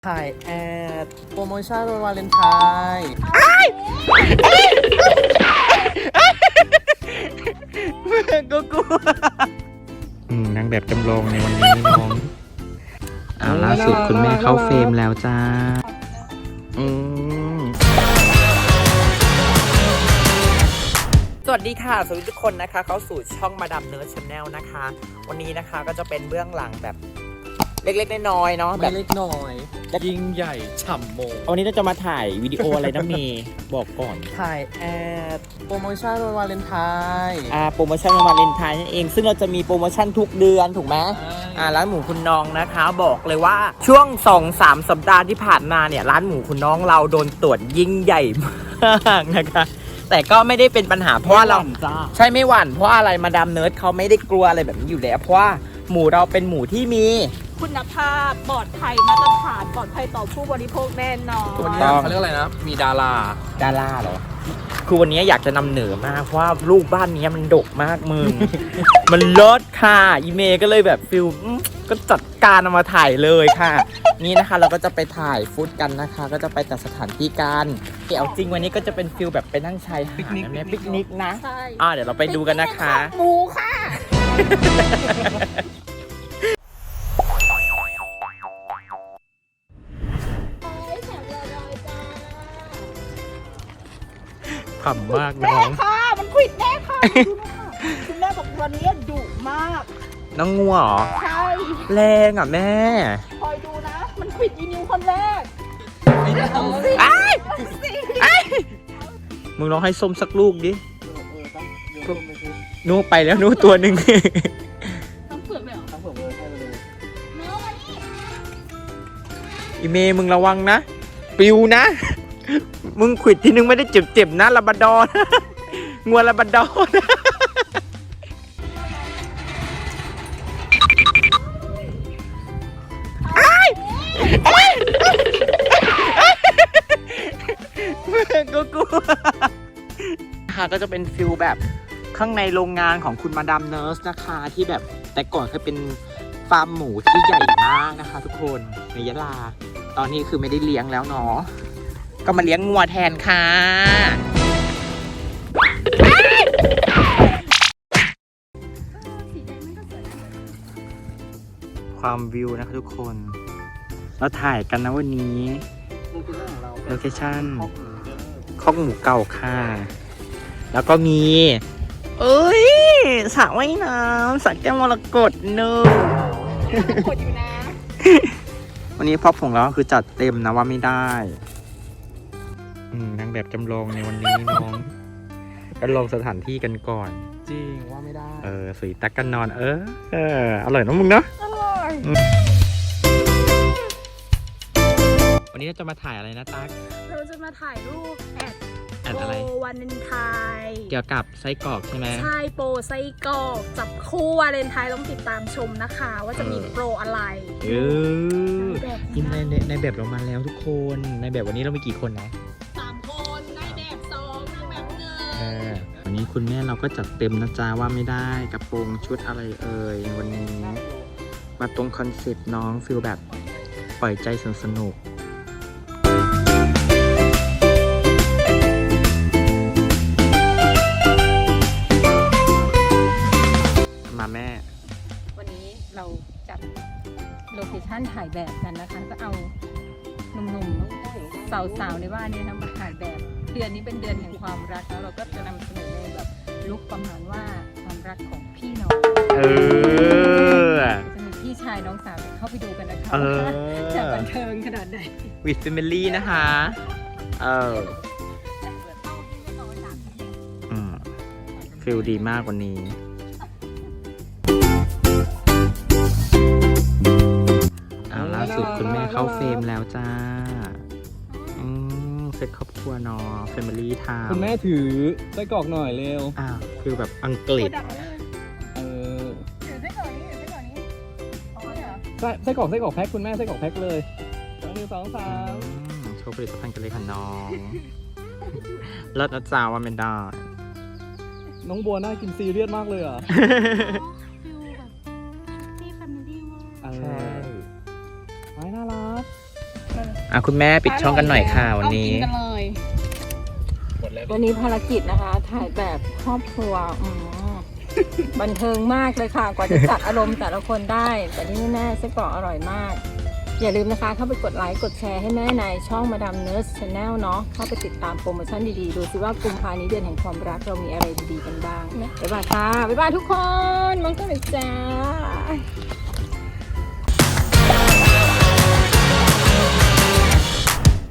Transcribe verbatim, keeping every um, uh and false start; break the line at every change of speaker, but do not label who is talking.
ถ่ายแอดโปรโมชั่นวันวาเลนไทน์ก็กลัว
อืมนางแบบจำลองในวันนี้น้องอ่าล่าสุดคุณแม่เข้าเฟรมแล้วจ้าอืมสวัสดีค่ะสวัสดีทุกคนนะคะเข้าสู่ช่องมาดามเนิร์ดชาแนลนะคะวันนี้นะคะก็จะเป็นเบื้องหลังแบบเล็กๆน้อยๆเนาะแบ
ไม่
บ
เล็กน้อยยิ่งใหญ่ฉ่ำโมง
วันนี้เราจะมาถ่ายวิดีโออะไรนะเมย์บอกก่อน
ถ่ายแอดโปรโมชั่นวันวาเลนไทน์
อ่าโปรโมชั่นวันวาเลนไทน์นั่นเองซึ่งเราจะมีโปรโมชั่นทุกเดือนถูกไหมอ่าร้านหมูคุณน้องนะคะบอกเลยว่าช่วง สองสาม สัปดาห์ที่ผ่านมาเนี่ยร้านหมูคุณน้องเราโดนตรวจยิ่งใหญ่มากนะคะแต่ก็ไม่ได้เป็นปัญหาเพราะว่าเราใช่ไม่หวั่นเพราะอะไรมาดามเนิร์ดเขาไม่ได้กลัวอะไรแบบนี้อยู่แล้วเพราะว่าหมูเราเป็นหมูที่มี
คุณภาพปลอดภัยมาตรฐานปลอดภัยต่อผู้บริโภคแน่นอน
วันนี้เขาเรียกอะไรนะมีดารา
ดาราเหรอคือวันนี้อยากจะนำเหนือมากเพราะว่าลูกบ้านนี้มันดกมากมึง มันเลิศค่ะอีเมย์ก็เลยแบบฟิลก็จัดการเอามาถ่ายเลยค่ะนี่นะคะเราก็จะไปถ่ายฟุตกันนะคะก็จะไปแต่สถานที่กันเอาจริงวันนี้ก็จะเป็นฟิลแบบไปนั่งชายหาดนะแม่ปิกนิกนะ
ใช่
อ่าเดี๋ยวเราไปดูกันนะคะ
หมูค่ะ
ขำมากน้อง
ค่ะมันควิดแน่ค่ะดูนะคะคุณแม่บอกวันนี้ดุมาก
น้องงัวเหรอ
ใช่
แรงอ่ะแม่
คอยดูนะ มันควิดอีนิวคนแรก
ไอ้ไอ้มึงลองให้ส้มสักลูกดินู่ไปแล้วนู่ตัวหนึ่ง
ต้องเปลือกเลยเหรอ
ทั้งผมเลยให้เลย
เนื้อวันนี้
อีเมย์มึงระวังนะปิวนะ มึงขวิดทีนึงไม่ได้เจ็บๆนะลาบราดอร์นะงัวลาบราดอร์นะก็กลัวค่ะก็จะเป็นฟิลแบบข้างในโรงงานของคุณมาดามเนิร์สนะคะที่แบบแต่ก่อนเคยเป็นฟาร์มหมูที่ใหญ่มากนะคะทุกคนในยะลาตอนนี้คือไม่ได้เลี้ยงแล้วเนาะก็มาเลี้ยงงัวแทนค่ะความวิวนะคะทุกคนเราถ่ายกันนะวันนี้โลเคชั่นคอกหมูเก่าค่ะแล้วก็มีเอ้ยสระว่ายน้ำสระแก้วมรกตเนอะ
กดอยู่นะ
วันนี้พ่อผงเราคือจัดเต็มนะว่าไม่ได้อืมนางแบบจำลองในวันนี้น้องก็ลองสถานที่กันก่อน
จริงว่าไม่ได้
เออสุยตักกันนอน เออเอออร่อยนะมึงเนาะ
อร่อย
วันนี้เราจะมาถ่ายอะไรนะตั๊ก
เราจะมาถ่ายรูปแอด
แอดอะไร
โปรวันเลนไทน์
เกี่ยวกับไส้กรอกใช่ไหม
ใช่โปรไส้กรอกจับคู่วาเลนไทน์ต้องติดตามชมนะคะ ว่าจะมีโปรอะไร
เออ
แบบ
ทีมในในในแบบเรามาแล้วทุกคนในแบบวันนี้เรามีกี่คนนะ
สามคนในแบบสองในแบบหนึ่ง
เออวันนี้คุณแม่เราก็จัดเต็มนะจ๊ะว่าไม่ได้กระโปรงชุดอะไรเอ่ยวันนี้มาตรงคอนเซ็ปต์น้องฟิลแบบปล่อยใจสนุกสนุกมาแม่
วันนี้เราจัดโลเคชั่นถ่ายแบบกันนะคะ ก็เอาหนุ่มๆสาวๆในบ้านนี้นะมาถ่ายแบบ เดือนนี้เป็นเดือนแห่งความรักแล้วเราก็จะนำเสนอในแบบลุคประมาณว่าความรักของพี่น้อง
เออ
จะมีพี่ชายน้องสาวเข้าไปดูกันนะคะ
เออ
ว่าจะบันเทิงขนาดไหน
วิดแฟมิลี่นะคะเอออืมฟิลดีมากวันนี้เอาล่าสุดคุณแม่เข้าเฟรมแล้วจ้าอืมเซ็ตครอบครัวเนอแฟมิลี่ไทม์
คุณแม่ถือไส้กรอกหน่อยเร็ว
อ้าวฟิลแบบอังกฤษ
เออ
ถือไส้กรอกนี้ถือไส้กรอกนี้เอาเลยเหรอ
ไส้ไส้กรอกไส้กรอกแพ็คคุณแม่ไส้กรอกแพ็คเลยสองหนึ่งสองสาม
อืมโชว์ผลิตภัณฑ์กันเลยค่ะน้องเลิศนะจ๊ะว่าไม่ได้
น้องบัวน่ากินซีเรียสมากเลยอ่ะ
ฟิลแบบพี่แฟมิลี่มาก
เออไม้น่ารัก แฟ
อ่ะคุณแม่ปิดช่องกันหน่อยค่ะวันนี้
เอากินกันเลย
วันนี้ภารกิจนะคะ ถ่ายแบบครอบครัวอืมบันเทิงมากเลยค่ะ กว่าจะจัดอารมณ์แต่ละคนได้ แต่ที่แน่ๆไส้กรอกอร่อยมาก อย่าลืมนะคะ เข้าไปกดไลค์กดแชร์ให้แม่ในช่องมาดามเนิร์สชาแนลเนาะเข้าไปติดตามโปรโมชั่นดีๆ ดูสิว่ากุมภานี้เดือนแห่งความรักเรามีอะไรดีๆกันบ้างบ๊ายบายค่ะบ๊ายบายทุกคนมองกันเลยจ้า